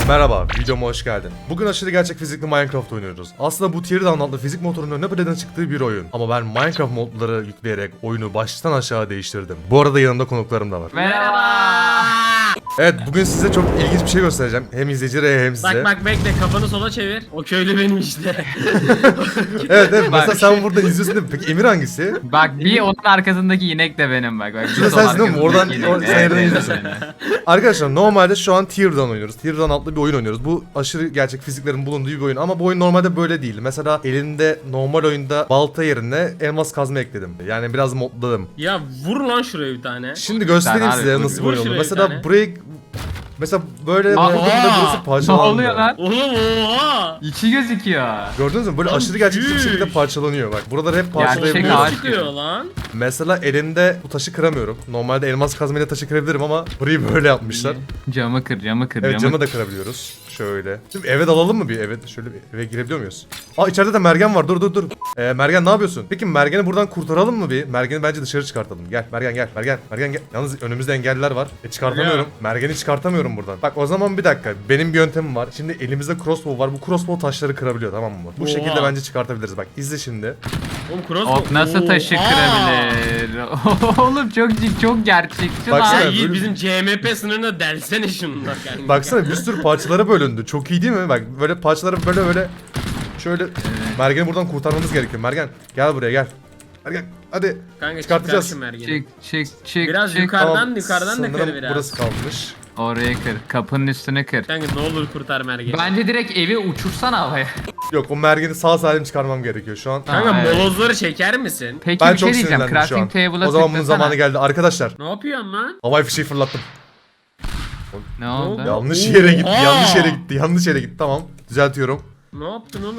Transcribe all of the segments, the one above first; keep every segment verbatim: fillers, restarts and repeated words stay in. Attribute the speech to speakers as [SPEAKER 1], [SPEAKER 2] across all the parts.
[SPEAKER 1] Merhaba, videoma hoş geldin. Bugün aşırı gerçek fizikli Minecraft oynuyoruz. Aslında bu Teardown adlı fizik motorunun ne bedenen çıktığı bir oyun. Ama ben Minecraft modları yükleyerek oyunu baştan aşağı değiştirdim. Bu arada yanımda konuklarım da var.
[SPEAKER 2] Merhaba.
[SPEAKER 1] Evet, bugün size çok ilginç bir şey göstereceğim. Hem izleyicilere hem size.
[SPEAKER 2] Bak bak bekle, kafanı sola çevir. O köylü benim işte.
[SPEAKER 1] Evet evet, mesela sen burada izliyorsun değil mi? Peki Emir hangisi?
[SPEAKER 3] Bak bir onun arkasındaki inek de benim bak. bak
[SPEAKER 1] Şurada sensin değil mi? Oradan
[SPEAKER 3] inek.
[SPEAKER 1] or- sen yerden izliyorsun. Arkadaşlar normalde şu an Teardown oynuyoruz. Teardown adlı bir oyun oynuyoruz. Bu aşırı gerçek fiziklerin bulunduğu bir oyun ama bu oyun normalde böyle değil. Mesela elinde normal oyunda balta yerine elmas kazma ekledim. Yani biraz modladım.
[SPEAKER 2] Ya vur lan şuraya bir tane.
[SPEAKER 1] Şimdi göstereyim
[SPEAKER 3] Sen
[SPEAKER 1] size
[SPEAKER 3] abi,
[SPEAKER 1] nasıl bir
[SPEAKER 2] vur
[SPEAKER 1] oyun olduğunu.
[SPEAKER 2] şuraya bir
[SPEAKER 1] Mesela
[SPEAKER 2] tane.
[SPEAKER 1] burayı mesela böyle
[SPEAKER 3] Aa,
[SPEAKER 1] vurduğumda burası
[SPEAKER 3] Ne
[SPEAKER 1] parçalandı.
[SPEAKER 3] oluyor lan?
[SPEAKER 2] Oğlum oha.
[SPEAKER 3] İçi gözüküyor.
[SPEAKER 1] Gördünüz mü? Böyle
[SPEAKER 2] Lan
[SPEAKER 1] aşırı gerçekçi bir
[SPEAKER 2] büyük.
[SPEAKER 1] şekilde parçalanıyor bak. Buraları hep
[SPEAKER 3] Gerçek
[SPEAKER 1] parçalayabiliyoruz.
[SPEAKER 3] ağaç.
[SPEAKER 2] Ne çıkıyor lan?
[SPEAKER 1] Mesela elimde bu taşı kıramıyorum. Normalde elmas kazmayla taşı kırabilirim ama burayı böyle yapmışlar.
[SPEAKER 3] Camı kır, camı kır,
[SPEAKER 1] Evet,
[SPEAKER 3] camı
[SPEAKER 1] camı da kırabiliyoruz. Şöyle. Şimdi eve dalalım mı bir? Evet, şöyle bir eve girebiliyor muyuz? Aa, içeride de Mergen var. Dur dur dur. Ee, Mergen ne yapıyorsun? Peki Mergen'i buradan kurtaralım mı bir? Mergen'i bence dışarı çıkartalım. Gel Mergen gel. Mergen. Mergen gel. Yalnız önümüzde engeller var. E çıkartamıyorum. Mergen'i çıkartamıyorum buradan. Bak o zaman bir dakika. Benim bir yöntemim var. Şimdi elimizde crossbow var. Bu crossbow taşları kırabiliyor, tamam mı? Bu
[SPEAKER 2] Oha.
[SPEAKER 1] şekilde bence çıkartabiliriz. Bak izle şimdi.
[SPEAKER 2] Oğlum cross
[SPEAKER 3] Ok nasıl taşı kırabilir? Oğlum çok çok gerçekçi
[SPEAKER 1] Baksana,
[SPEAKER 3] lan.
[SPEAKER 2] Ya Yiğit
[SPEAKER 1] böyle-
[SPEAKER 2] bizim C M P sınırına delsene şunu bak yani.
[SPEAKER 1] Baksana bir sürü parçalara bölündü. Çok iyi değil mi? Bak böyle parçaları böyle böyle şöyle Mergen'i buradan kurtarmamız gerekiyor. Mergen gel buraya gel. Mergen hadi.
[SPEAKER 2] Kanka
[SPEAKER 1] çıkartacağız.
[SPEAKER 2] çıkar şu mergeni.
[SPEAKER 3] Çık çık çık
[SPEAKER 2] Biraz
[SPEAKER 3] çık.
[SPEAKER 2] yukarıdan
[SPEAKER 1] Tamam,
[SPEAKER 2] yukarıdan da
[SPEAKER 1] sanırım
[SPEAKER 2] kır biraz.
[SPEAKER 1] burası kalmış.
[SPEAKER 3] Oraya kır. Kapının üstüne kır.
[SPEAKER 2] Kanka ne olur kurtar mergeni.
[SPEAKER 3] Bence direkt evi uçursana havaya.
[SPEAKER 1] Yok, o Mergen'i sağ salim çıkarmam gerekiyor şu an.
[SPEAKER 2] Kanka
[SPEAKER 3] Aa, evet.
[SPEAKER 2] molozları çeker misin?
[SPEAKER 3] Peki
[SPEAKER 1] Ben
[SPEAKER 3] bir şey
[SPEAKER 1] çok
[SPEAKER 3] diyeceğim.
[SPEAKER 1] sinirlendim şu an.
[SPEAKER 3] Crafting table'a
[SPEAKER 1] O zaman bunun
[SPEAKER 3] tıklasana.
[SPEAKER 1] zamanı geldi. Arkadaşlar
[SPEAKER 2] Ne yapıyorsun lan?
[SPEAKER 1] havai fişeği fırlattım.
[SPEAKER 3] Ne oldu?
[SPEAKER 2] oldu?
[SPEAKER 1] Yanlış yere gitti.
[SPEAKER 2] Oha!
[SPEAKER 1] Yanlış yere gitti. Yanlış yere gitti. Tamam. Düzeltiyorum.
[SPEAKER 2] Ne yaptın oğlum?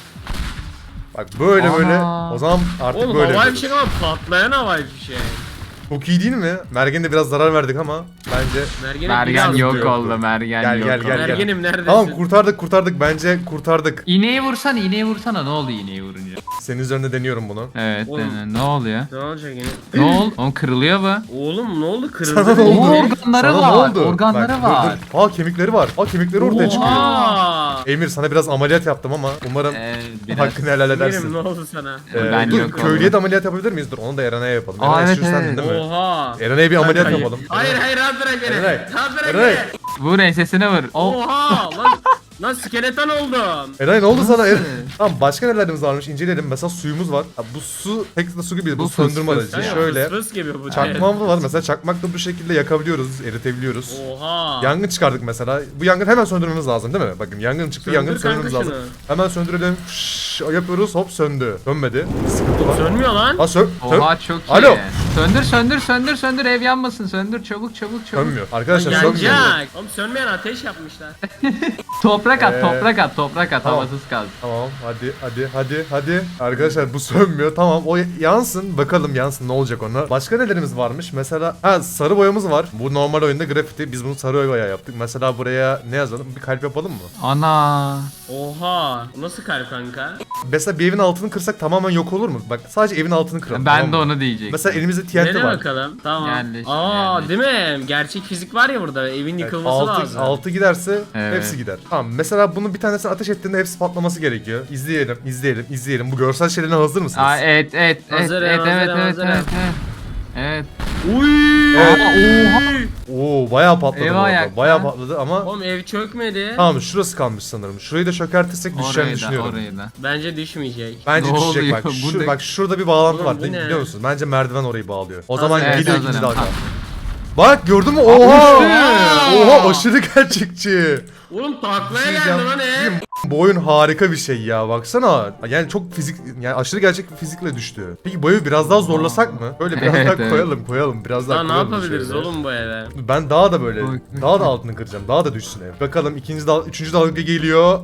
[SPEAKER 1] Bak böyle
[SPEAKER 3] Ana.
[SPEAKER 1] böyle. O zaman artık
[SPEAKER 2] Oğlum
[SPEAKER 1] böyle.
[SPEAKER 2] havai
[SPEAKER 1] yapıyoruz.
[SPEAKER 2] fişek ama patlayan havai fişek.
[SPEAKER 1] Çok iyi değil mi? Mergen'e de biraz zarar verdik ama bence
[SPEAKER 2] Mergenim
[SPEAKER 3] Mergen
[SPEAKER 2] biraz
[SPEAKER 3] yok
[SPEAKER 1] yoktu.
[SPEAKER 3] oldu. Mergen
[SPEAKER 1] Gel,
[SPEAKER 3] yok
[SPEAKER 1] gel,
[SPEAKER 3] oldu.
[SPEAKER 1] gel, gel.
[SPEAKER 2] Mergenim neredesin?
[SPEAKER 1] Tamam, kurtardık kurtardık. Bence kurtardık.
[SPEAKER 3] İğneyi vursana, iğneyi vursana. Ne oldu iğneyi vurunca?
[SPEAKER 1] Senin üzerinde deniyorum bunu.
[SPEAKER 3] Evet.
[SPEAKER 2] Oğlum.
[SPEAKER 3] dene. Ne oluyor?
[SPEAKER 2] Ne olacak yine?
[SPEAKER 3] Ne oldu? Oğlum kırılıyor bu.
[SPEAKER 2] Oğlum ne oldu? Kırıldı.
[SPEAKER 1] Sana ne
[SPEAKER 2] mı?
[SPEAKER 1] oldu?
[SPEAKER 3] Oo, organları
[SPEAKER 1] Sana
[SPEAKER 3] var.
[SPEAKER 1] ne oldu?
[SPEAKER 3] Organları
[SPEAKER 1] Bak, dur,
[SPEAKER 3] var.
[SPEAKER 1] dur. Aa, kemikleri var. Aa, kemikleri ortaya çıkıyor.
[SPEAKER 2] Oha!
[SPEAKER 1] Emir, sana biraz ameliyat yaptım ama umarım
[SPEAKER 3] Ee, biraz.
[SPEAKER 1] hakkını helal edersin.
[SPEAKER 2] Emirim ne oldu sana?
[SPEAKER 1] Ee,
[SPEAKER 3] Ben
[SPEAKER 1] dur,
[SPEAKER 3] yok
[SPEAKER 1] köylüye
[SPEAKER 3] oldum.
[SPEAKER 1] de ameliyat yapabilir miyiz? Dur, onu da Eren'e yapalım.
[SPEAKER 3] Aa,
[SPEAKER 1] Eren,
[SPEAKER 3] evet,
[SPEAKER 1] şu sendin
[SPEAKER 3] evet.
[SPEAKER 1] değil mi?
[SPEAKER 2] Oha!
[SPEAKER 1] Eren'e bir ameliyat
[SPEAKER 2] Hayır.
[SPEAKER 1] yapalım.
[SPEAKER 2] Hayır hayır rahat bırak beni.
[SPEAKER 1] Erenay.
[SPEAKER 2] Rahat bırak
[SPEAKER 1] Erenay.
[SPEAKER 2] beni.
[SPEAKER 3] Vur ensesine vur. O
[SPEAKER 2] Oha! Lan, lan skeleton oldum.
[SPEAKER 1] Erenay ne oldu sana?
[SPEAKER 3] Nasıl?
[SPEAKER 1] Eren? Tamam, başka nelerimiz varmış inceleyelim. Mesela suyumuz var. Ha, bu su pek de su gibi değil. Bu,
[SPEAKER 3] Bu fıs
[SPEAKER 1] söndürme
[SPEAKER 3] fıs.
[SPEAKER 1] aracı.
[SPEAKER 2] Kanka,
[SPEAKER 1] Şöyle.
[SPEAKER 2] fıs fıs gibi bu.
[SPEAKER 1] Çakmağımız var. Mesela çakmakla bu şekilde yakabiliyoruz, eritebiliyoruz.
[SPEAKER 2] Oha!
[SPEAKER 1] Yangın çıkardık mesela. Bu yangın hemen söndürmemiz lazım değil mi? Bakın yangın çıktı,
[SPEAKER 2] Söndür
[SPEAKER 1] yangını
[SPEAKER 2] kanka
[SPEAKER 1] söndürmemiz lazım.
[SPEAKER 2] şunu.
[SPEAKER 1] Hemen söndürelim. Fış, yapıyoruz, hop söndü. Sönmedi. Sıkıntı var.
[SPEAKER 2] Sönmüyor lan.
[SPEAKER 1] Ha sön. sön.
[SPEAKER 3] Oha çok iyi.
[SPEAKER 1] Alo.
[SPEAKER 3] Söndür söndür söndür söndür ev yanmasın söndür çabuk çabuk çabuk.
[SPEAKER 1] Sönmüyor. Arkadaşlar sönmüyor.
[SPEAKER 2] Yanacak. Oğlum sönmeyen ateş yapmışlar.
[SPEAKER 3] Toprak at
[SPEAKER 1] Ee,
[SPEAKER 3] toprak at toprak at
[SPEAKER 1] tamam.
[SPEAKER 3] havasız kaldı.
[SPEAKER 1] Tamam, hadi hadi hadi hadi. Arkadaşlar bu sönmüyor. Tamam, o yansın. Bakalım yansın, ne olacak ona. Başka nelerimiz varmış? Mesela ha, sarı boyamız var. Bu normal oyunda grafiti. Biz bunu sarı boya yaptık. Mesela buraya ne yazalım? Bir kalp yapalım mı?
[SPEAKER 3] Ana.
[SPEAKER 2] Oha! O nasıl kalp kanka?
[SPEAKER 1] Mesela bir evin altını kırsak tamamen yok olur mu? Bak sadece evin altını kıralım.
[SPEAKER 3] Ben
[SPEAKER 1] tamam
[SPEAKER 3] de
[SPEAKER 1] mı?
[SPEAKER 3] onu diyecektim.
[SPEAKER 1] Mesela elimizde T N T
[SPEAKER 2] Dene
[SPEAKER 1] var.
[SPEAKER 2] bakalım. Tamam.
[SPEAKER 3] Yerleş,
[SPEAKER 2] Aa
[SPEAKER 3] yerleş.
[SPEAKER 2] değil mi? Gerçek fizik var ya burada. Evin
[SPEAKER 1] Evet,
[SPEAKER 2] yıkılması
[SPEAKER 1] altı,
[SPEAKER 2] lazım.
[SPEAKER 1] altı giderse
[SPEAKER 3] Evet.
[SPEAKER 1] hepsi gider. Tamam, mesela bunun bir tanesini ateş ettiğinde hepsi patlaması gerekiyor. İzleyelim, izleyelim, izleyelim. Bu görsel şeylerine hazır mısınız?
[SPEAKER 3] Aa, evet evet evet
[SPEAKER 2] Hazırım,
[SPEAKER 3] evet evet
[SPEAKER 2] hazırım,
[SPEAKER 3] evet
[SPEAKER 2] hazırım.
[SPEAKER 3] evet evet. Evet.
[SPEAKER 2] Uy!
[SPEAKER 1] Evet.
[SPEAKER 2] Oha!
[SPEAKER 1] Oo, bayağı patladı
[SPEAKER 3] Eyvah
[SPEAKER 1] bu arada.
[SPEAKER 3] ayak
[SPEAKER 1] Bayağı
[SPEAKER 3] lan.
[SPEAKER 1] patladı ama
[SPEAKER 2] Oğlum ev çökmedi.
[SPEAKER 1] tamam, şurası kalmış sanırım. Şurayı da çökertirsek düşeceğini
[SPEAKER 3] Orayı da
[SPEAKER 1] düşünüyorum.
[SPEAKER 3] orayı da.
[SPEAKER 2] Bence düşmeyecek.
[SPEAKER 1] Bence
[SPEAKER 3] Ne
[SPEAKER 1] düşecek
[SPEAKER 3] oluyor?
[SPEAKER 1] bak.
[SPEAKER 3] Bu
[SPEAKER 1] Şu,
[SPEAKER 3] ne?
[SPEAKER 1] bak şurada bir bağlantı
[SPEAKER 2] Oğlum,
[SPEAKER 1] var
[SPEAKER 2] bu
[SPEAKER 1] değil,
[SPEAKER 2] ne?
[SPEAKER 1] biliyor musun? Bence merdiven orayı bağlıyor. O
[SPEAKER 2] Hazır.
[SPEAKER 1] zaman
[SPEAKER 2] Evet,
[SPEAKER 1] gidiyor
[SPEAKER 3] hazırım,
[SPEAKER 1] ikinci dalga.
[SPEAKER 3] tamam.
[SPEAKER 1] Bak gördün mü? Oha!
[SPEAKER 2] Aa!
[SPEAKER 1] Oha, aşırı gerçekçi.
[SPEAKER 2] Oğlum taklaya
[SPEAKER 1] Şey
[SPEAKER 2] geldi
[SPEAKER 1] diyeceğim,
[SPEAKER 2] lan ev.
[SPEAKER 1] Bu oyun harika bir şey ya, baksana. Yani çok fizik, yani aşırı gerçek bir fizikle düştü. Peki bu evi biraz daha zorlasak mı? Böyle biraz
[SPEAKER 3] Evet,
[SPEAKER 1] daha
[SPEAKER 3] evet.
[SPEAKER 1] koyalım koyalım biraz daha
[SPEAKER 2] Daha ne
[SPEAKER 1] koyalım
[SPEAKER 2] yapabiliriz
[SPEAKER 1] şöyle.
[SPEAKER 2] oğlum bu eve?
[SPEAKER 1] Ben daha da böyle,
[SPEAKER 3] Oy.
[SPEAKER 1] daha da altını kıracağım. Daha da düşsün ev. Bakalım ikinci dal, üçüncü dalga geliyor.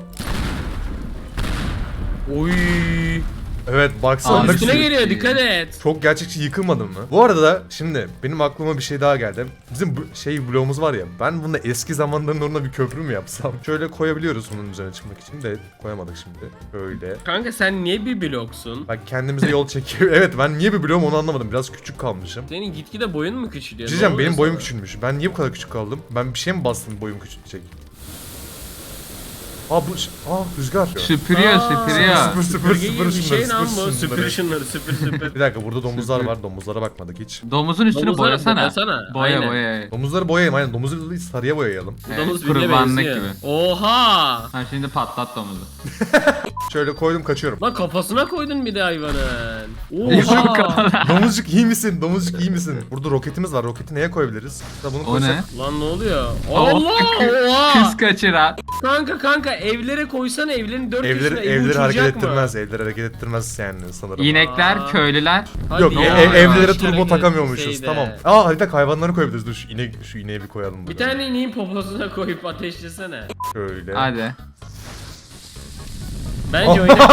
[SPEAKER 2] Oy.
[SPEAKER 1] Evet, baksana.
[SPEAKER 3] Abi,
[SPEAKER 1] ne
[SPEAKER 2] Üstüne
[SPEAKER 1] güzel.
[SPEAKER 2] geliyor dikkat et.
[SPEAKER 1] Çok gerçekçi yıkılmadın mı? Bu arada da şimdi benim aklıma bir şey daha geldi. Bizim bu şey bloğumuz var ya. Ben bunda eski zamanların onunla bir köprü mü yapsam? Şöyle koyabiliyoruz bunun üzerine çıkmak için de koyamadık şimdi. Böyle.
[SPEAKER 2] Kanka sen niye bir bloksun?
[SPEAKER 1] Bak kendimize yol çekiyor. Evet, ben niye bir bloğum onu anlamadım. Biraz küçük kalmışım.
[SPEAKER 2] Senin gitgide boyun mu küçülüyor?
[SPEAKER 1] Diyeceğim,
[SPEAKER 2] Ne
[SPEAKER 1] benim
[SPEAKER 2] oluyor
[SPEAKER 1] boyum
[SPEAKER 2] sana?
[SPEAKER 1] küçülmüş. Ben niye bu kadar küçük kaldım? Ben bir şey mi bastım boyum küçülecek? Aa bu ş- aa rüzgar.
[SPEAKER 3] Süpürüyor
[SPEAKER 2] Aa,
[SPEAKER 3] süpürüyor.
[SPEAKER 1] Süpür süpür
[SPEAKER 2] Süpürge
[SPEAKER 1] süpür
[SPEAKER 2] gibi bir şey
[SPEAKER 1] şunları,
[SPEAKER 2] lan
[SPEAKER 1] süpür
[SPEAKER 2] bu. Süpür
[SPEAKER 1] şunları.
[SPEAKER 2] şunları süpür süpür.
[SPEAKER 1] Bir dakika burada domuzlar
[SPEAKER 2] Süpür.
[SPEAKER 1] var. Domuzlara bakmadık hiç.
[SPEAKER 3] Domuzun üstünü
[SPEAKER 2] Domuzları
[SPEAKER 3] boyasana.
[SPEAKER 2] boyasana,
[SPEAKER 3] Boya
[SPEAKER 2] aynen.
[SPEAKER 3] boya.
[SPEAKER 1] Domuzları boyayalım aynen. Domuzu sarıya boyayalım.
[SPEAKER 2] Bu
[SPEAKER 3] Evet,
[SPEAKER 2] domuz birine
[SPEAKER 3] kurbanlık
[SPEAKER 2] benziyor.
[SPEAKER 3] gibi.
[SPEAKER 2] Oha!
[SPEAKER 3] Ha şimdi patlat domuzu.
[SPEAKER 1] Şöyle koydum kaçıyorum.
[SPEAKER 2] Lan kafasına koydun bir de hayvanın.
[SPEAKER 3] Yok
[SPEAKER 2] Oha!
[SPEAKER 3] kadar.
[SPEAKER 1] Domuzcuk iyi misin? Domuzcuk iyi misin? Burada roketimiz var. Roketi neye koyabiliriz? Mesela bunu
[SPEAKER 3] O
[SPEAKER 1] koysak-
[SPEAKER 3] ne?
[SPEAKER 2] Lan ne oluyor?
[SPEAKER 3] Allah!
[SPEAKER 2] Allah! Oha!
[SPEAKER 3] Kız kaçıran.
[SPEAKER 2] Kanka kanka evlere koysana evlerin dört
[SPEAKER 1] Evleri,
[SPEAKER 2] köşesine evi
[SPEAKER 1] evleri hareket
[SPEAKER 2] uçuracak mı?
[SPEAKER 1] ettirmez. Evleri hareket ettirmez yani sanırım.
[SPEAKER 3] İnekler,
[SPEAKER 2] Aa.
[SPEAKER 3] köylüler.
[SPEAKER 2] Hadi
[SPEAKER 1] Yok
[SPEAKER 2] ya,
[SPEAKER 1] ev- ev- evlere
[SPEAKER 2] işte
[SPEAKER 1] turbo
[SPEAKER 2] hareket
[SPEAKER 1] takamıyormuşuz.
[SPEAKER 2] etseydi.
[SPEAKER 1] Tamam. Aa harita hayvanları koyabiliriz. Dur şu inek şu ineği bir koyalım.
[SPEAKER 2] Bir
[SPEAKER 1] buraya.
[SPEAKER 2] tane ineğin poposuna koyup ateşlesene.
[SPEAKER 1] Şöyle.
[SPEAKER 3] Hadi.
[SPEAKER 2] Bence oyna.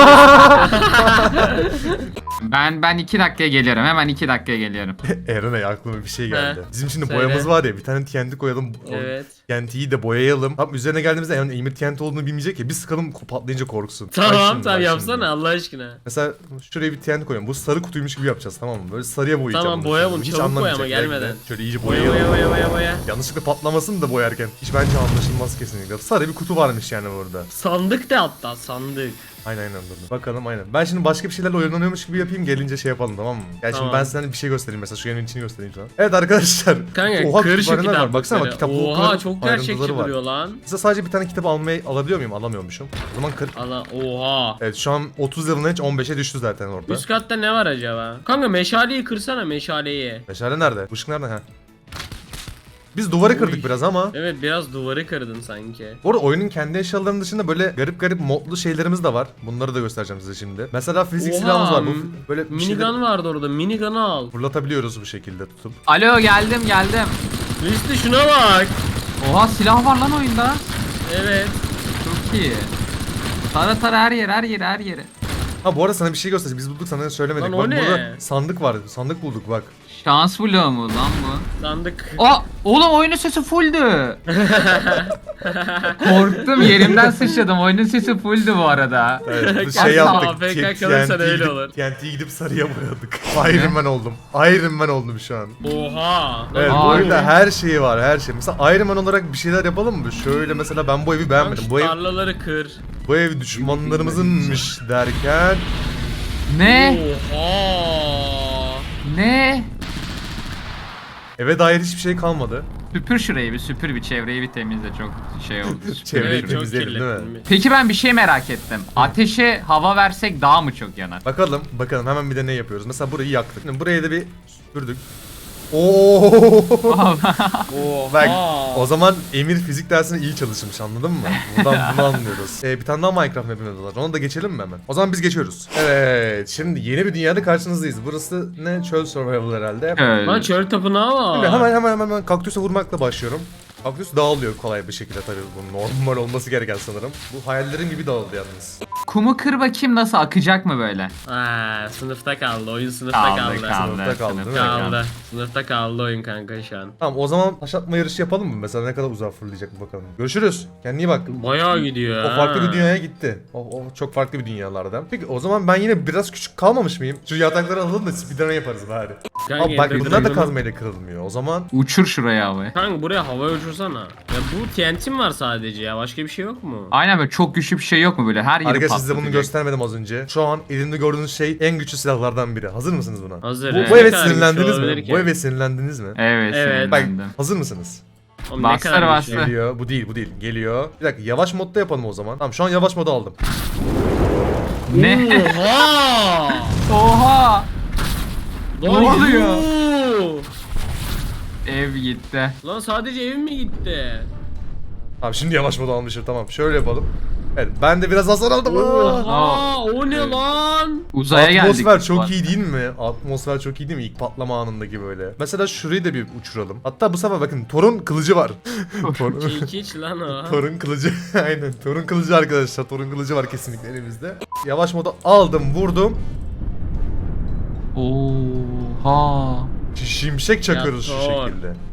[SPEAKER 3] Ben ben iki dakikaya geliyorum. Hemen iki dakikaya geliyorum.
[SPEAKER 1] Eren'e aklıma bir şey geldi.
[SPEAKER 2] He.
[SPEAKER 1] Bizim şimdi
[SPEAKER 2] Söyle.
[SPEAKER 1] boyamız var ya bir tane T N T koyalım.
[SPEAKER 2] Evet.
[SPEAKER 1] T N T'yi de boyayalım. Tam üzerine geldiğimizde yani Emir T N T olduğunu bilmeyecek ya. Biz sıkalım patlayınca korksun. Bak
[SPEAKER 2] Tamam
[SPEAKER 1] şimdi,
[SPEAKER 2] tamam
[SPEAKER 1] bak
[SPEAKER 2] yapsana
[SPEAKER 1] şimdi.
[SPEAKER 2] Allah aşkına.
[SPEAKER 1] Mesela şuraya bir T N T koyalım. Bu sarı kutuymuş gibi yapacağız tamam mı? Böyle sarıya boyayacağım.
[SPEAKER 2] Tamam,
[SPEAKER 1] bunu
[SPEAKER 2] boya
[SPEAKER 1] şimdi.
[SPEAKER 2] bunu,
[SPEAKER 1] Hiç
[SPEAKER 2] çabuk boya ama
[SPEAKER 1] anlamayacak.
[SPEAKER 2] gelmeden.
[SPEAKER 1] Bekle. Şöyle iyice
[SPEAKER 2] Boya
[SPEAKER 1] boyayalım.
[SPEAKER 2] boya boya boya boya.
[SPEAKER 1] Yanlışlıkla patlamasın da boyarken. Hiç bence anlaşılmaz kesinlikle. Sarı bir kutu varmış yani burada.
[SPEAKER 2] Sandık da hatta sandık.
[SPEAKER 1] Aynen aynen dur. Bakalım aynen. Ben şimdi başka bir şeylerle oynanıyormuş gibi yapayım gelince şey yapalım tamam mı? Yani
[SPEAKER 2] Tamam.
[SPEAKER 1] şimdi ben size hani bir şey göstereyim mesela şu yanın içini göstereyim sana. Evet arkadaşlar.
[SPEAKER 2] Kanka
[SPEAKER 1] Oha,
[SPEAKER 2] kır şu
[SPEAKER 1] kütüphaneler var. Baksana bak
[SPEAKER 2] kitapları.
[SPEAKER 1] kitapta o
[SPEAKER 2] Oha
[SPEAKER 1] kadar
[SPEAKER 2] çok gerçekçi
[SPEAKER 1] ayrıntıları var.
[SPEAKER 2] duruyor lan.
[SPEAKER 1] Size sadece bir tane kitap almayı alabiliyor muyum? Alamıyormuşum. O zaman kır.
[SPEAKER 2] Allah oha.
[SPEAKER 1] Evet şu an otuz level'ın hiç on beşe düştü zaten orada.
[SPEAKER 2] Üst katta ne var acaba? Kanka meşaleyi kırsana meşaleyi.
[SPEAKER 1] Meşale nerede? Bu ışık nerede? Ha. Biz duvarı kırdık
[SPEAKER 2] Uy.
[SPEAKER 1] biraz ama.
[SPEAKER 2] Evet biraz duvarı kırdın sanki.
[SPEAKER 1] Bu arada oyunun kendi eşyalarının dışında böyle garip garip modlu şeylerimiz de var. Bunları da göstereceğim size şimdi. Mesela fizik
[SPEAKER 2] Oha,
[SPEAKER 1] silahımız var. Bu
[SPEAKER 2] m-
[SPEAKER 1] böyle bir şeyleri
[SPEAKER 2] Minigun vardı orada minigun'u al.
[SPEAKER 1] fırlatabiliyoruz bu şekilde tutup.
[SPEAKER 3] Alo geldim geldim.
[SPEAKER 2] Liste şuna bak.
[SPEAKER 3] Oha silah var lan oyunda.
[SPEAKER 2] Evet.
[SPEAKER 3] Çok iyi. Tara tara her yer her yer her yere.
[SPEAKER 1] Ha bu arada sana bir şey göstereceğim. Biz bulduk sana söylemedik.
[SPEAKER 2] Lan o
[SPEAKER 1] Bak
[SPEAKER 2] ne?
[SPEAKER 1] burada sandık var. Sandık bulduk bak.
[SPEAKER 3] Şans bloğu mu lan bu?
[SPEAKER 2] Sandık.
[SPEAKER 3] Aa oğlum oyunun sesi fulldü. Korktum yerimden sıçradım. Oyunun sesi fulldü bu arada.
[SPEAKER 1] Evet, bu
[SPEAKER 2] Asla
[SPEAKER 1] şey yaptık.
[SPEAKER 2] A F K
[SPEAKER 1] T-
[SPEAKER 2] kalırsan
[SPEAKER 1] T N T
[SPEAKER 2] öyle
[SPEAKER 1] gidip-
[SPEAKER 2] olur.
[SPEAKER 1] T N T'yi gidip sarıya boyadık. Iron Man oldum. Iron Man oldum şu an.
[SPEAKER 2] Oha. Lan
[SPEAKER 1] Evet
[SPEAKER 3] Aa,
[SPEAKER 1] bu oyunda
[SPEAKER 3] evet.
[SPEAKER 1] her şeyi var her şey. Mesela Iron Man olarak bir şeyler yapalım mı? Şöyle mesela ben bu evi
[SPEAKER 2] Lan
[SPEAKER 1] beğenmedim.
[SPEAKER 2] şu
[SPEAKER 1] Bu ev,
[SPEAKER 2] tarlaları kır.
[SPEAKER 1] bu ev düşmanlarımızınmış derken
[SPEAKER 3] Ne?
[SPEAKER 2] Oha.
[SPEAKER 3] Ne?
[SPEAKER 1] eve dair hiçbir şey kalmadı.
[SPEAKER 3] Süpür şurayı bir süpür bir çevreyi bir temizle çok şey oldu.
[SPEAKER 1] Çevreyi
[SPEAKER 2] Evet, çok
[SPEAKER 1] temizleyelim değil mi?
[SPEAKER 2] kirlettin.
[SPEAKER 3] Peki ben bir şey merak ettim. Ateşe hava versek daha mı çok yanar?
[SPEAKER 1] Bakalım bakalım hemen bir de ne yapıyoruz. Mesela burayı yaktık. Şimdi burayı da bir süpürdük. Oo!
[SPEAKER 2] Oha.
[SPEAKER 1] Bak o zaman Emir fizik dersine iyi çalışmış anladın mı? Buradan bunu anlıyoruz. Ee, bir tane daha Minecraft map'imiz var. Ona da geçelim mi hemen? O zaman biz geçiyoruz. Evet şimdi yeni bir dünyada karşınızdayız. Burası ne? Çöl survival herhalde.
[SPEAKER 3] Öyle.
[SPEAKER 2] Lan çöl tapınağı var.
[SPEAKER 1] Şimdi hemen hemen hemen hemen kaktüse vurmakla başlıyorum. Kaktüs dağılıyor kolay bir şekilde tabii bu normal olması gereken sanırım. Bu hayallerim gibi dağıldı yalnız.
[SPEAKER 3] Kumu kır bakayım nasıl akacak mı böyle?
[SPEAKER 2] Aa, sınıfta kaldı. Oyun sınıfta
[SPEAKER 3] Kaldı
[SPEAKER 2] kaldı.
[SPEAKER 3] kaldı.
[SPEAKER 1] Sınıfta kaldı, değil mi?
[SPEAKER 3] sınıfta
[SPEAKER 2] Kaldı. Sınıfta kaldı oyun kanka şu an.
[SPEAKER 1] Tamam o zaman taş atma yarışı yapalım mı? Mesela ne kadar uzağa fırlayacak bir bakalım. Görüşürüz. Kendine iyi bak.
[SPEAKER 2] Bayağı gidiyor
[SPEAKER 1] O farklı
[SPEAKER 2] ha.
[SPEAKER 1] bir dünyaya gitti. O, o çok farklı bir dünyalardan. Peki o zaman ben yine biraz küçük kalmamış mıyım? Şu yatakları alalım da speedrun yaparız bari.
[SPEAKER 2] Kanka,
[SPEAKER 1] Abi bak
[SPEAKER 2] Ender
[SPEAKER 1] bunlar da
[SPEAKER 2] Dragon'u-
[SPEAKER 1] kazmayla kırılmıyor. O zaman
[SPEAKER 3] Uçur şuraya havaya.
[SPEAKER 2] Kanka buraya hava uçursana. Ya bu T N T mi var sadece ya? Başka bir şey yok mu?
[SPEAKER 3] Aynen böyle çok güçlü bir şey yok mu böyle her yeri
[SPEAKER 1] arkadaşlar size bunu
[SPEAKER 3] patlatacak.
[SPEAKER 1] göstermedim az önce. Şu an elimde gördüğünüz şey en güçlü silahlardan biri. Hazır mısınız buna?
[SPEAKER 2] Hazır.
[SPEAKER 1] Bu,
[SPEAKER 2] he.
[SPEAKER 1] bu
[SPEAKER 2] Ne
[SPEAKER 1] eve
[SPEAKER 2] kadar güçlü
[SPEAKER 1] sinirlendiniz mi?
[SPEAKER 2] olabilir ki?
[SPEAKER 1] Bu eve sinirlendiniz mi?
[SPEAKER 3] Evet,
[SPEAKER 2] Evet.
[SPEAKER 1] Bak
[SPEAKER 3] sinirlendim.
[SPEAKER 1] hazır mısınız?
[SPEAKER 2] Oğlum ne
[SPEAKER 3] Bastır,
[SPEAKER 2] kadar
[SPEAKER 3] bastır.
[SPEAKER 2] güçlü.
[SPEAKER 1] Geliyor. Bu değil bu değil. Geliyor. Bir dakika yavaş modda yapalım o zaman. Tamam şu an yavaş moda aldım.
[SPEAKER 3] Ne?
[SPEAKER 2] Oha!
[SPEAKER 3] Oha! Ne
[SPEAKER 2] Lan
[SPEAKER 3] oluyor?
[SPEAKER 2] yuh!
[SPEAKER 3] Ev gitti.
[SPEAKER 2] Lan sadece ev mi gitti?
[SPEAKER 1] Tamam şimdi yavaş moda almışım tamam. Şöyle yapalım. Evet ben de biraz hasar aldım. Aa!
[SPEAKER 2] Oha! O ne
[SPEAKER 3] Evet.
[SPEAKER 2] lan?
[SPEAKER 3] Uzaya geldik.
[SPEAKER 1] Atmosfer
[SPEAKER 3] biz
[SPEAKER 1] çok
[SPEAKER 3] bak.
[SPEAKER 1] iyi değil mi? Atmosfer çok iyi değil mi? İlk patlama anındaki böyle. Mesela şurayı da bir uçuralım. Hatta bu sefer bakın Thor'un kılıcı var. Thor-
[SPEAKER 2] Çekiç lan o.
[SPEAKER 1] Thor'un kılıcı. Aynen. Thor'un kılıcı arkadaşlar. Thor'un kılıcı var kesinlikle elimizde. Yavaş moda aldım, vurdum.
[SPEAKER 3] Oha.
[SPEAKER 1] Şimşek çakıyoruz
[SPEAKER 2] Ya
[SPEAKER 1] şu
[SPEAKER 2] Thor.
[SPEAKER 1] şekilde.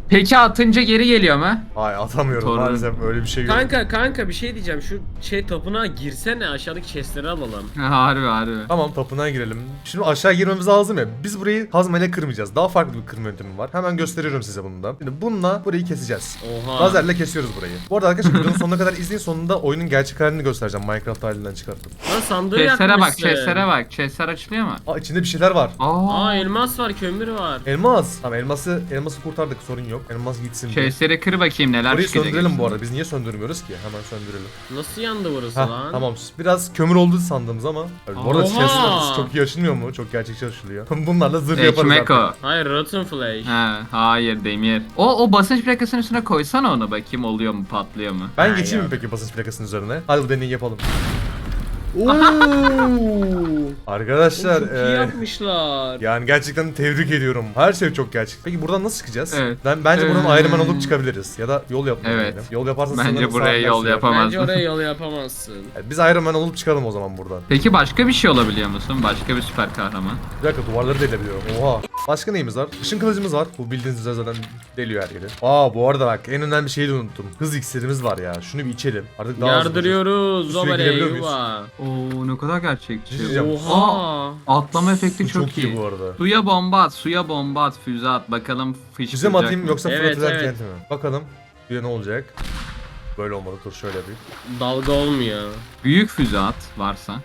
[SPEAKER 3] Peki atınca geri geliyor mu?
[SPEAKER 1] Hayır atamıyorum
[SPEAKER 3] Torun.
[SPEAKER 1] maalesef öyle bir şey yok.
[SPEAKER 2] Kanka kanka bir şey diyeceğim. Şu şey tapınağa girsene, aşağıdaki chestleri alalım.
[SPEAKER 3] harbi harbi.
[SPEAKER 1] Tamam tapınağa girelim. Şimdi aşağı girmemiz lazım ya. Biz burayı kazmayla kırmayacağız. Daha farklı bir kırma yöntemi var. Hemen gösteriyorum size bunu da. Şimdi bununla burayı keseceğiz.
[SPEAKER 2] Oha.
[SPEAKER 1] Lazerle kesiyoruz burayı. Bu arada arkadaşlar videonun sonuna kadar izleyin. Sonunda oyunun gerçek halini göstereceğim. Minecraft halinden çıkarttım.
[SPEAKER 2] Lan sandığı
[SPEAKER 3] Chest'lere bak,
[SPEAKER 2] yakmışsın.
[SPEAKER 3] chest'lere bak. Chest'ler açılıyor mu?
[SPEAKER 1] Aa içinde bir şeyler var.
[SPEAKER 3] Aa,
[SPEAKER 2] Aa elmas var, kömür var.
[SPEAKER 1] Elmas. Tamam elması elması kurtardık sorun yok. Elmas gitsin. diye.
[SPEAKER 3] chest'leri kır bakayım neler
[SPEAKER 1] Burayı
[SPEAKER 3] çıkacak.
[SPEAKER 1] söndürelim bu arada. Biz niye söndürmüyoruz ki? Hemen söndürelim.
[SPEAKER 2] Nasıl yandı burası
[SPEAKER 1] Heh,
[SPEAKER 2] lan?
[SPEAKER 1] tamam. Biraz kömür oldu sandığımız ama. Bu arada
[SPEAKER 2] Oha!
[SPEAKER 1] chest'ler çok iyi açılmıyor mu? Çok gerçekçi açılıyor. Bunlarla zırh yaparız
[SPEAKER 3] Ekmek
[SPEAKER 1] artık.
[SPEAKER 3] o.
[SPEAKER 2] Hayır, rotten flesh.
[SPEAKER 3] Ha, hayır demir. O o basınç plakasının üstüne koysana onu bakayım oluyor mu patlıyor mu?
[SPEAKER 1] Ben
[SPEAKER 2] Ha,
[SPEAKER 1] geçeyim mi
[SPEAKER 2] yok.
[SPEAKER 1] peki basınç plakasının üzerine? Hadi bu deneyi yapalım.
[SPEAKER 2] Oo.
[SPEAKER 1] Arkadaşlar
[SPEAKER 2] Çok iyi
[SPEAKER 1] e,
[SPEAKER 2] yapmışlar.
[SPEAKER 1] yani gerçekten tebrik ediyorum. Her şey çok gerçek. Peki buradan nasıl çıkacağız?
[SPEAKER 3] Evet.
[SPEAKER 1] Ben bence buradan
[SPEAKER 3] Ee,
[SPEAKER 1] Iron Man olup çıkabiliriz. Ya da yol yapmayalım.
[SPEAKER 3] Evet.
[SPEAKER 1] yani. Yol yaparsan
[SPEAKER 3] Bence
[SPEAKER 1] sanırım
[SPEAKER 3] buraya
[SPEAKER 1] saatler
[SPEAKER 3] yol
[SPEAKER 1] sürer.
[SPEAKER 3] yapamaz.
[SPEAKER 2] Bence oraya yol yapamazsın.
[SPEAKER 1] Yani biz Iron Man olup çıkalım o zaman buradan.
[SPEAKER 3] Peki başka bir şey olabiliyor musun? Başka bir süper kahraman?
[SPEAKER 1] Bir dakika duvarları delebiliyorum. Oha. Başka neyimiz var? Işın kılıcımız var. Bu bildiğiniz üzere zaten deliyor her yeri. Aa bu arada bak en önemli şeyi de unuttum. Hız iksirimiz var ya. Şunu bir içelim. Artık daha hızlı olacağız.
[SPEAKER 2] Yardırıyoruz.
[SPEAKER 1] Suya
[SPEAKER 2] Zobere
[SPEAKER 1] girebiliyor muyuz?
[SPEAKER 2] yuva.
[SPEAKER 3] Oo ne kadar gerçekçi.
[SPEAKER 1] Bir şey diyeceğim.
[SPEAKER 2] Oha.
[SPEAKER 3] Atlama efekti
[SPEAKER 1] Bu
[SPEAKER 3] çok,
[SPEAKER 1] çok iyi bu arada.
[SPEAKER 3] Suya bomba at, suya bomba at, füze at. Bakalım fışkıracak
[SPEAKER 1] Füze mi atayım
[SPEAKER 3] mı?
[SPEAKER 1] yoksa
[SPEAKER 2] Evet,
[SPEAKER 1] fırlatacak
[SPEAKER 2] evet.
[SPEAKER 1] kenti mi? Bakalım. Bir ne olacak? Böyle olmadı. Dur şöyle bir.
[SPEAKER 2] Dalga olmuyor.
[SPEAKER 3] Büyük füze at varsa.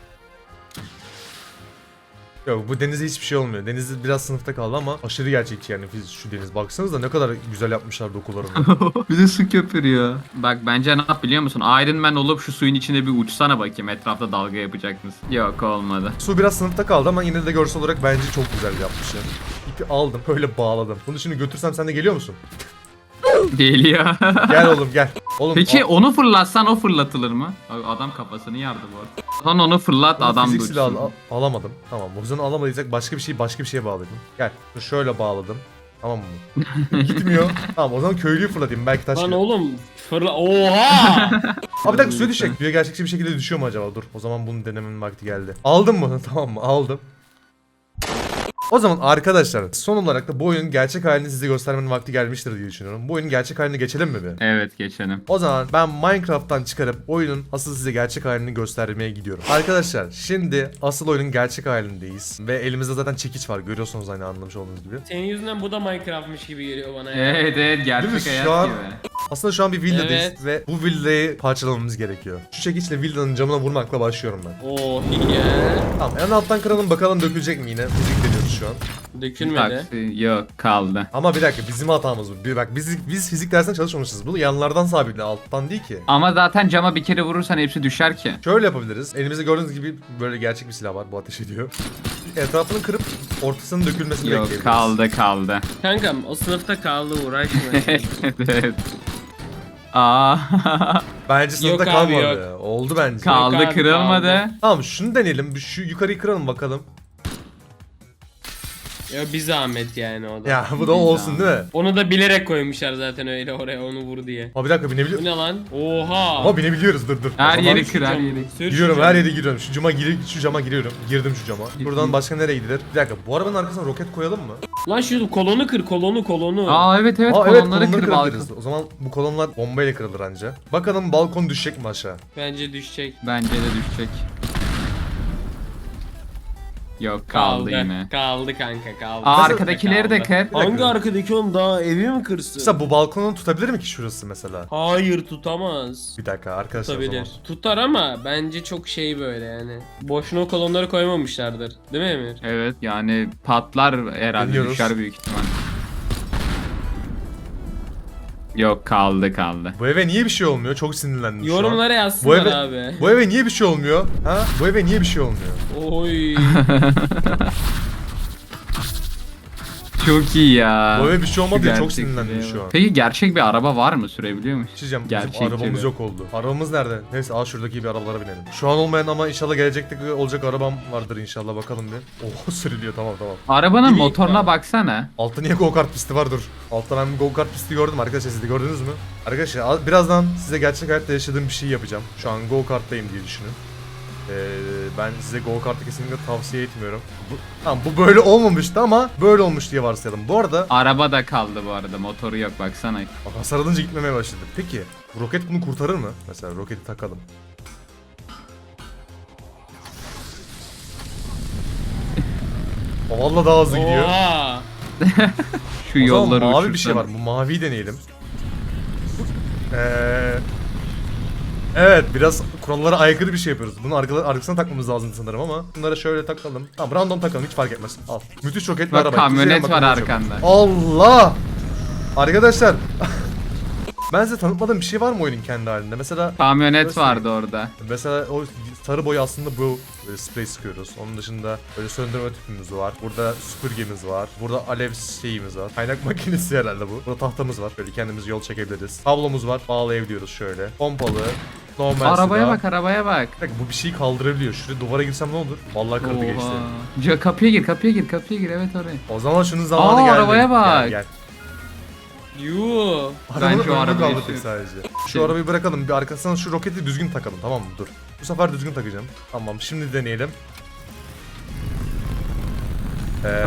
[SPEAKER 1] Yok bu denize hiçbir şey olmuyor. Deniz biraz sınıfta kaldı ama aşırı gerçekçi yani fiz- şu deniz. Baksanıza ne kadar güzel yapmışlar dokularını.
[SPEAKER 3] bir de su köpürüyor. Bak bence ne yap biliyor musun? Iron Man olup şu suyun içinde bir uçsana bakayım. Etrafta dalga yapacak mısın? Yok olmadı.
[SPEAKER 1] Su biraz sınıfta kaldı ama yine de görsel olarak bence çok güzel yapmışlar. İpi aldım böyle bağladım. Bunu şimdi götürsem sen de geliyor musun?
[SPEAKER 3] Geliyor.
[SPEAKER 1] Gel oğlum gel. Oğlum
[SPEAKER 3] Peki
[SPEAKER 1] al-
[SPEAKER 3] onu fırlatsan o fırlatılır mı? Abi Adam kafasını yardı bu arada. Lan onu fırlat
[SPEAKER 1] bunu
[SPEAKER 3] adam
[SPEAKER 1] fiziksel al-
[SPEAKER 3] dursun.
[SPEAKER 1] al- alamadım. Tamam o yüzden alamadıysak başka bir şey başka bir şeye bağlayalım. Gel dur şöyle bağladım. Tamam mı? Gitmiyor. Tamam o zaman köylüyü fırlatayım belki taş
[SPEAKER 2] Lan
[SPEAKER 1] gelir.
[SPEAKER 2] oğlum fırla. Oha.
[SPEAKER 1] Abi bir dakika suya düşecek. Suya gerçekçi bir şekilde düşüyor mu acaba? Dur o zaman bunu denemenin vakti geldi. Aldım mı? Tamam mı? Aldım. O zaman arkadaşlar son olarak da bu oyunun gerçek halini size göstermenin vakti gelmiştir diye düşünüyorum. Bu oyunun gerçek haline geçelim mi bir?
[SPEAKER 3] Evet geçelim.
[SPEAKER 1] O zaman ben Minecraft'tan çıkarıp oyunun asıl size gerçek halini göstermeye gidiyorum. Arkadaşlar şimdi asıl oyunun gerçek halindeyiz. Ve elimizde zaten çekiç var. Görüyorsunuz aynı anlamış olduğunuz gibi.
[SPEAKER 2] Senin yüzünden bu da Minecraft'mış gibi geliyor bana ya.
[SPEAKER 3] Evet evet
[SPEAKER 1] Değil mi?
[SPEAKER 3] gerçek
[SPEAKER 1] Şu
[SPEAKER 3] hayat
[SPEAKER 1] an-
[SPEAKER 3] gibi.
[SPEAKER 1] Aslında şu an bir villadayız
[SPEAKER 2] Evet.
[SPEAKER 1] ve bu villayı parçalamamız gerekiyor. Şu çekiçle villanın camına vurmakla başlıyorum ben.
[SPEAKER 2] Oh yeah.
[SPEAKER 1] Tamam en alttan kıralım bakalım dökülecek mi yine? Fizik deniyoruz şu an.
[SPEAKER 2] Dökülmedi.
[SPEAKER 3] Taksi yok kaldı.
[SPEAKER 1] Ama bir dakika bizim hatamız bu. Bir bak biz biz fizik dersinde çalışmamışız. Bu yanlardan sabitle alttan değil ki.
[SPEAKER 3] Ama zaten cama bir kere vurursan hepsi düşer ki.
[SPEAKER 1] Şöyle yapabiliriz. Elimizde gördüğünüz gibi böyle gerçek bir silah var. Bu ateş ediyor. Etrafını kırıp ortasının dökülmesini
[SPEAKER 3] Yok
[SPEAKER 1] bekleyebiliriz.
[SPEAKER 3] kaldı kaldı.
[SPEAKER 2] Kankam o sınıfta kaldı, uğraşma.
[SPEAKER 3] evet evet. Aa
[SPEAKER 1] Bence sınıfta
[SPEAKER 2] Yok abi,
[SPEAKER 1] kalmadı. Oldu bence.
[SPEAKER 3] kaldı
[SPEAKER 2] Yok abi,
[SPEAKER 3] kırılmadı.
[SPEAKER 2] kaldı.
[SPEAKER 1] Tamam şunu deneyelim. Bir Şu yukarıyı kıralım bakalım.
[SPEAKER 2] Ya bir zahmet yani o da.
[SPEAKER 1] Ya bu da olsun değil mi?
[SPEAKER 2] Onu da bilerek koymuşlar zaten öyle oraya, onu vur diye.
[SPEAKER 1] Ama bir dakika binebiliyor.
[SPEAKER 2] Bu ne lan? Oha.
[SPEAKER 1] Ama binebiliyoruz dur dur. O
[SPEAKER 3] Her
[SPEAKER 1] zaman
[SPEAKER 3] yeri
[SPEAKER 2] Şu
[SPEAKER 3] kır her
[SPEAKER 2] camı,
[SPEAKER 3] yeri.
[SPEAKER 2] sür şu
[SPEAKER 1] Giriyorum
[SPEAKER 2] camı.
[SPEAKER 1] her yere giriyorum. Şu cama gir şu cama giriyorum. Girdim şu cama. Buradan başka nereye gidilir? Bir dakika bu arabanın arkasına roket koyalım mı?
[SPEAKER 2] Lan şu kolonu kır, kolonu kolonu.
[SPEAKER 3] Aa evet evet
[SPEAKER 1] Aa evet
[SPEAKER 3] kolonları
[SPEAKER 1] kolonları
[SPEAKER 3] kır balkon.
[SPEAKER 1] kırabiliriz. O zaman bu kolonlar bombayla kırılır anca. Bakalım balkon düşecek mi aşağı?
[SPEAKER 2] Bence düşecek.
[SPEAKER 3] Bence de düşecek. Yok kaldı, yine.
[SPEAKER 2] Kaldı kanka kaldı.
[SPEAKER 3] Aa,
[SPEAKER 1] Nasıl-
[SPEAKER 3] arkadakileri de
[SPEAKER 2] Kaldı.
[SPEAKER 3] kır.
[SPEAKER 1] dakika.
[SPEAKER 2] Hangi arkadaki oğlum, daha evi mi kırsın?
[SPEAKER 1] Mesela bu balkonu tutabilir mi ki şurası mesela?
[SPEAKER 2] Hayır, tutamaz.
[SPEAKER 1] Bir dakika arkadaşlar o zaman.
[SPEAKER 2] Tutabilir. Tutar ama bence çok şey böyle yani. Boşuna o kolonları koymamışlardır. Değil mi Emir?
[SPEAKER 3] Evet yani patlar herhalde
[SPEAKER 1] Deniyoruz.
[SPEAKER 3] düşer büyük ihtimal. Yok kaldı kaldı.
[SPEAKER 1] Bu eve niye bir şey olmuyor? Çok sinirlendim şu an.
[SPEAKER 2] Yorumlara
[SPEAKER 1] Bu
[SPEAKER 2] yazsınlar
[SPEAKER 1] eve,
[SPEAKER 2] abi.
[SPEAKER 1] bu eve niye bir şey olmuyor? Ha? Bu eve niye bir şey olmuyor?
[SPEAKER 2] Oy.
[SPEAKER 3] Çok iyi ya.
[SPEAKER 1] Bu eve bir şey olmadı diye çok
[SPEAKER 3] Gerçekçiliğe
[SPEAKER 1] sinirlendim
[SPEAKER 3] bak.
[SPEAKER 1] şu an.
[SPEAKER 3] Peki gerçek bir araba var mı? Sürebiliyor musun?
[SPEAKER 1] Diyeceğim
[SPEAKER 3] Gerçekçi
[SPEAKER 1] bizim arabamız
[SPEAKER 3] bir.
[SPEAKER 1] yok oldu. Arabamız nerede? Neyse al şuradaki bir arabalara binelim. Şu an olmayan ama inşallah gelecekte olacak arabam vardır inşallah bakalım bir. Oh sürülüyor tamam tamam.
[SPEAKER 3] Arabanın
[SPEAKER 2] Direkt
[SPEAKER 3] motoruna
[SPEAKER 2] var.
[SPEAKER 3] baksana.
[SPEAKER 1] Altta niye go kart pisti var dur. Altta ben bir go kart pisti gördüm arkadaşlar siz de gördünüz mü? Arkadaşlar al- birazdan size gerçek hayatta yaşadığım bir şey yapacağım. Şu an go karttayım diye düşünün. Ee, ben size go kartı kesinlikle tavsiye etmiyorum. Bu, tamam bu böyle olmamıştı ama böyle olmuş diye varsayalım. Bu arada
[SPEAKER 3] Araba da kaldı bu arada. Motoru yok baksana.
[SPEAKER 1] bak, hasar alınca gitmemeye başladı. Peki bu roket bunu kurtarır mı? Mesela roketi takalım. O valla daha hızlı gidiyor.
[SPEAKER 2] Oha.
[SPEAKER 3] Şu
[SPEAKER 1] O zaman
[SPEAKER 3] yolları
[SPEAKER 1] mavi bir şey
[SPEAKER 3] uçursana.
[SPEAKER 1] var. Bu maviyi deneyelim. Ee, evet biraz kurallara aykırı bir şey yapıyoruz. Bunu arka, arkasına takmamız lazım sanırım ama bunları şöyle takalım. Tamam random takalım hiç fark etmez. Al. Müthiş roket bir
[SPEAKER 3] Bak,
[SPEAKER 1] araba.
[SPEAKER 3] kamyonet
[SPEAKER 1] İzleyin bakalım
[SPEAKER 3] var
[SPEAKER 1] olacak.
[SPEAKER 3] arkanda.
[SPEAKER 1] Allah! Arkadaşlar ben size tanıtmadığım bir şey var mı oyunun kendi halinde? Mesela
[SPEAKER 3] Kamyonet
[SPEAKER 1] Göstereyim.
[SPEAKER 3] vardı orada.
[SPEAKER 1] Mesela o sarı boy aslında bu böyle sprey sıkıyoruz. Onun dışında böyle söndürme tüpümüz var. Burada süpürgemiz var. Burada alev şeyimiz var. Kaynak makinesi herhalde bu. Burada tahtamız var. Böyle kendimiz yol çekebiliriz. Tablomuz var. Bağlayabiliyoruz şöyle. Pompalı. Normal
[SPEAKER 3] Arabaya
[SPEAKER 1] silah.
[SPEAKER 3] bak arabaya bak.
[SPEAKER 1] Bak, bu bir şeyi kaldırabiliyor. Şuraya duvara girsem ne olur? Vallahi kırdı geçti.
[SPEAKER 3] Oha. Ca- kapıya gir kapıya gir kapıya gir evet oraya.
[SPEAKER 1] O zaman şunun zamanı
[SPEAKER 3] Aa,
[SPEAKER 1] geldi.
[SPEAKER 3] arabaya bak.
[SPEAKER 1] Gel, gel.
[SPEAKER 2] Yuh.
[SPEAKER 1] Arabanın
[SPEAKER 3] Bence o
[SPEAKER 1] önünü
[SPEAKER 3] arabayı
[SPEAKER 1] kaldırdık
[SPEAKER 3] sür.
[SPEAKER 1] sadece. Şu
[SPEAKER 3] Şey-
[SPEAKER 1] arabayı bırakalım. Bir arkasına şu roketi düzgün takalım tamam mı? Dur. Bu sefer düzgün takacağım. Tamam şimdi deneyelim. Ee,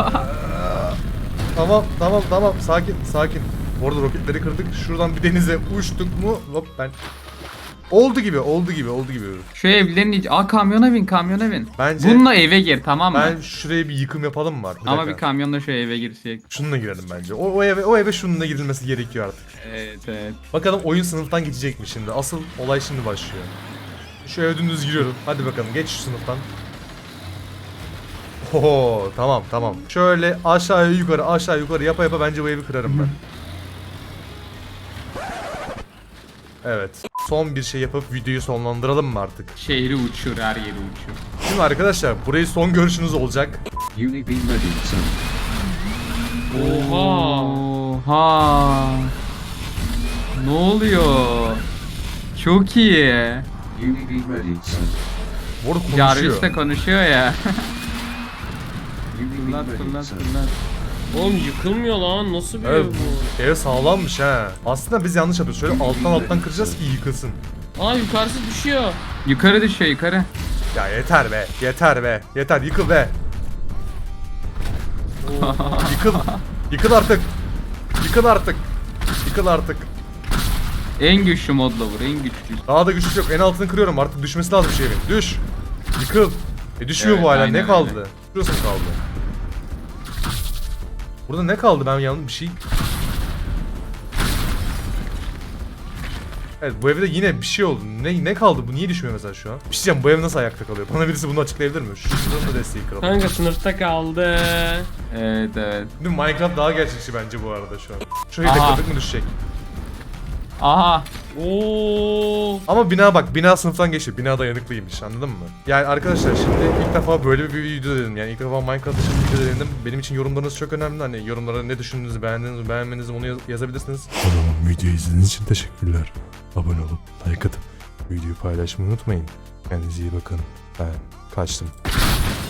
[SPEAKER 1] tamam tamam tamam sakin sakin. Orada roketleri kırdık. Şuradan bir denize uçtuk mu? Hop ben. Oldu gibi oldu gibi oldu gibi.
[SPEAKER 3] Şu evlerin iç... Aa kamyona bin kamyona bin.
[SPEAKER 1] Bence-
[SPEAKER 3] Bununla eve gir tamam mı?
[SPEAKER 1] Ben şuraya bir yıkım yapalım mı artık?
[SPEAKER 3] Ama
[SPEAKER 1] dakika.
[SPEAKER 3] bir kamyonla şu eve girsek.
[SPEAKER 1] Şununla girelim bence. O, o eve o eve şununla girilmesi gerekiyor artık.
[SPEAKER 3] Evet evet.
[SPEAKER 1] Bakalım oyun sınıftan geçecek mi şimdi? Asıl olay şimdi başlıyor. Şu eve dümdüz giriyorum. Hadi bakalım geç şu sınıftan. Oho tamam tamam. Şöyle aşağı yukarı aşağı yukarı yapa yapa bence bu evi kırarım ben. Evet. Son bir şey yapıp videoyu sonlandıralım mı artık?
[SPEAKER 3] Şehri uçur her yeri uçur.
[SPEAKER 1] Şimdi arkadaşlar burayı son görüşünüz olacak.
[SPEAKER 4] Uni be ready, son.
[SPEAKER 2] Oha.
[SPEAKER 3] Oha. Ne oluyor? Çok iyi.
[SPEAKER 4] Uni be ready, son.
[SPEAKER 1] Bu arada konuşuyor.
[SPEAKER 3] Jarvis de konuşuyor ya.
[SPEAKER 4] Uni be
[SPEAKER 3] Fırlat
[SPEAKER 4] ready,
[SPEAKER 3] fırlat
[SPEAKER 4] son.
[SPEAKER 3] fırlat.
[SPEAKER 2] Oğlum yıkılmıyor lan. Nasıl bir ev
[SPEAKER 1] Evet,
[SPEAKER 2] bu?
[SPEAKER 1] ev sağlammış ha. Aslında biz yanlış yapıyoruz. Şöyle alttan alttan kıracağız ki yıkılsın.
[SPEAKER 2] Aa yukarısı düşüyor.
[SPEAKER 3] Yukarı düşüyor yukarı.
[SPEAKER 1] Ya yeter be. Yeter be. Yeter yıkıl be. Yıkıl. Yıkıl artık. Yıkıl artık. Yıkıl artık.
[SPEAKER 3] En güçlü modla vur en güçlü.
[SPEAKER 1] Daha da güçlü yok. En altını kırıyorum. Artık düşmesi lazım şeyin. Düş. Yıkıl. E düşmüyor
[SPEAKER 3] Evet,
[SPEAKER 1] bu hala. Ne
[SPEAKER 3] aynen
[SPEAKER 1] kaldı?
[SPEAKER 3] öyle.
[SPEAKER 1] Şurası mı kaldı? Burada ne kaldı? Ben yanlış bir şey... Evet bu evde yine bir şey oldu. Ne ne kaldı? Bu niye düşmüyor mesela şu an? Bir şey diyeceğim. Bu ev nasıl ayakta kalıyor? Bana birisi bunu açıklayabilir mi? Şu şuranın da desteği kıralım.
[SPEAKER 2] Kanka sınıfta kaldı.
[SPEAKER 3] Evet evet.
[SPEAKER 1] Değil mi? Minecraft daha gerçekçi bence bu arada şu an. Şu evde
[SPEAKER 3] Aha.
[SPEAKER 1] kırdık mı düşecek?
[SPEAKER 2] Oo.
[SPEAKER 3] Aha.
[SPEAKER 1] Ama bina bak bina sınıftan geçti. Bina dayanıklıymış anladın mı? Yani arkadaşlar şimdi ilk defa böyle bir video dedim. Yani ilk defa Minecraft için video dedim. Benim için yorumlarınız çok önemli. Hani yorumlara ne düşündüğünüzü, beğendiğinizi, beğenmediğinizi onu yaz- yazabilirsiniz. O zaman videoyu izlediğiniz için teşekkürler. Abone olup like atıp videoyu paylaşmayı unutmayın. Kendinize iyi bakın. Ben kaçtım.